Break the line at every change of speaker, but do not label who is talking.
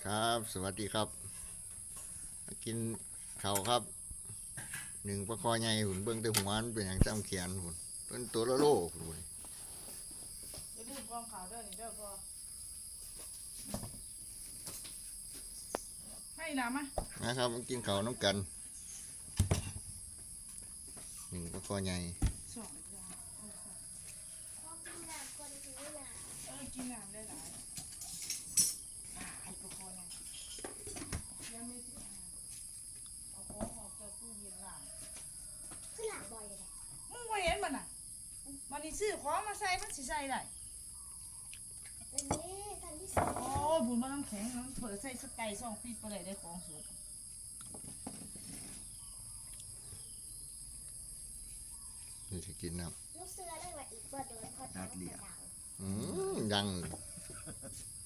ครับสวัสดีครับมากินข้าวครับหนึ่งปลาคอใหญ่หุ่นเบิ้งแต่หัวมันเป็นอย่างจำเขียนหุ่นเป็นตัวละโลหุ่น
อย่าลืมกองขาวเด้อนี่เด้อพ่อให้น้ำมะ
นะครับมากินข้าวน้ำกันหนึ่งปลาคอใหญ่
สองเลยจ้ะ
พ่อกินน้ำคนหิวน้
กินน้ำได้หลายไอ้ตัวคอเนี่ยยังไม่ถึงเอาของออกจากตู้เย็นล่าง
ำขึ้นหลังบ่อยเลยแหละ
มึงบ่เห็นมันน่ะมันนี่ซื้อของมาใส่มันสิใส่ได้
อันนี้ทันที่สอง
โอ้บุญมาน้ำแข็งน้ำเปิดใส่สไก่ซองปีไปเลยได้ของสด
นี่จะกินน้
ลูกเสือได้ว่าอีกบ่โดนพอ
ำนัดเดียว
ดัง
ยัง